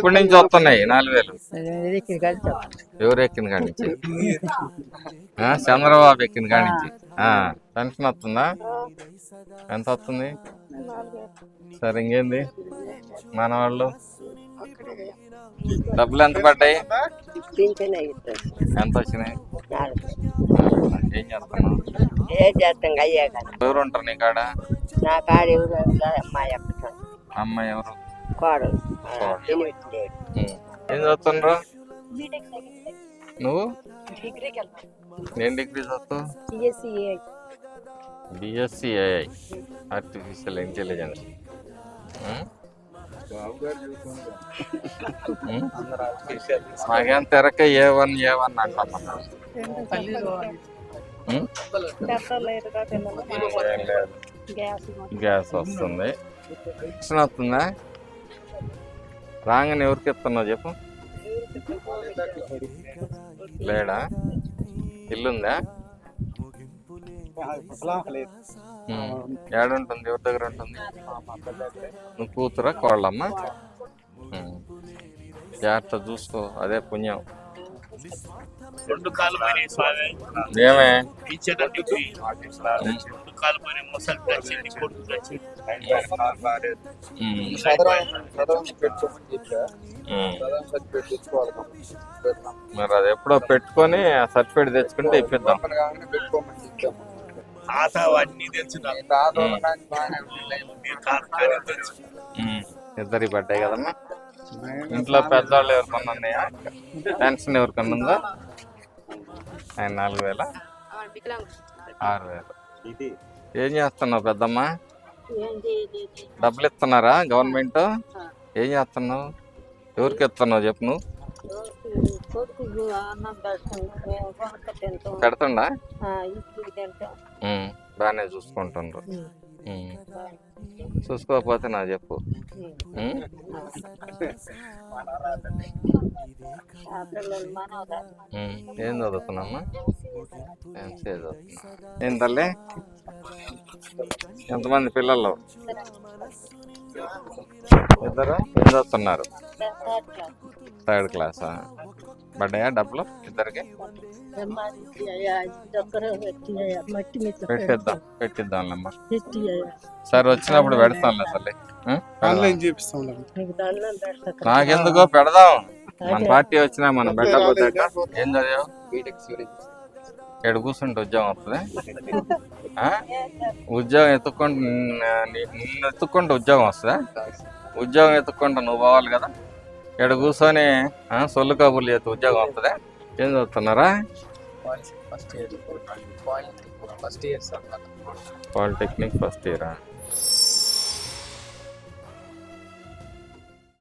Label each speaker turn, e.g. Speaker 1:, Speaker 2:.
Speaker 1: ఎప్పటి నుంచి వస్తున్నాయి 4000? ఎవరు ఎక్కిన కాడి నుంచి? చంద్రబాబు ఎక్కిన కాడి నుంచి. పెన్షన్ వస్తుందా? ఎంత వస్తుంది? సరే, ఇంకేంది మన వాళ్ళు డబ్బులు ఎంత పడ్డాయి? ఎంత వచ్చినాయి? ఏం చేస్తున్నావు? ఎవరు ఉంటారు నీ కాడ?
Speaker 2: నా కాడ ఎవరు
Speaker 1: అమ్మాయి ఎవరు?
Speaker 2: కోడలు.
Speaker 1: ఏం చదువుతుండ్రు నువ్వు? నేను డిగ్రీ చదువుతావు? BSc AI, artificial intelligence. మాకేం తెరక A1 అంటాం. గ్యాస్ వస్తుంది. వస్తుందా? రాగానే ఎవరికి ఇస్తున్నావు చెప్పు? లేడా? ఇల్లుందా? ఏడుంటుంది? ఎవరి దగ్గర ఉంటుంది? నువ్వు కూతురా కోళ్ళమ్మ? జాగ్రత్త చూసుకో, అదే పుణ్యం. ఏమే మరి అది ఎప్పుడో పెట్టుకొని సర్టిఫికేట్ తెచ్చుకుంటే ఇప్పిద్దాం. ఇద్దరికి పడ్డాయి కదమ్మా. ఇంట్లో పెద్దవాళ్ళు ఎవరికన్నా ఉన్నాయా? పెన్షన్ ఎవరికన్నా ఉందా? ఆయన 4000, 6000. ఏం చేస్తున్నావు పెద్దమ్మా? డబ్బులు ఇస్తున్నారా గవర్నమెంట్? ఏం చేస్తున్నావు? ఎవరికి ఇస్తున్నావు చెప్పు? నువ్వు పెడుతుండా? బాగానే చూసుకుంటుండ్రు. చూసుకోకపోతే నా చెప్పు. ఏం చదువుతున్నామ్మా? ఎంసీఏ చదువుతున్నా. ఏం తల్లి? ఎంతమంది పిల్లలు? ఇద్దరు. ఏం చదువుతున్నారు? 3rd క్లాసా? పడ్డాయా డబ్బులు ఇద్దరికి? పెట్టిద్దాంలేమ్మా. సరే, వచ్చినప్పుడు పెడతాంలే తల్లి. నాకెందుకో పెడదాం. మన పార్టీ వచ్చినా మనం పెట్టకపోతే ఏం చదివావు? ఇక్కడ కూర్చుంటే ఉద్యోగం వస్తుంది. ఉద్యోగం నిన్ను ఎత్తుక్కుంటే ఉద్యోగం వస్తుందా? ఉద్యోగం ఎత్తుక్కుంటా నువ్వు పోవాలి కదా. ఇక్కడ కూర్చొని సొల్లు కబుర్లు చేస్తే ఉద్యోగం వస్తుందా? ఏం చదువుతున్నారా? పాలిటెక్నిక్ ఫస్ట్ ఇయరా?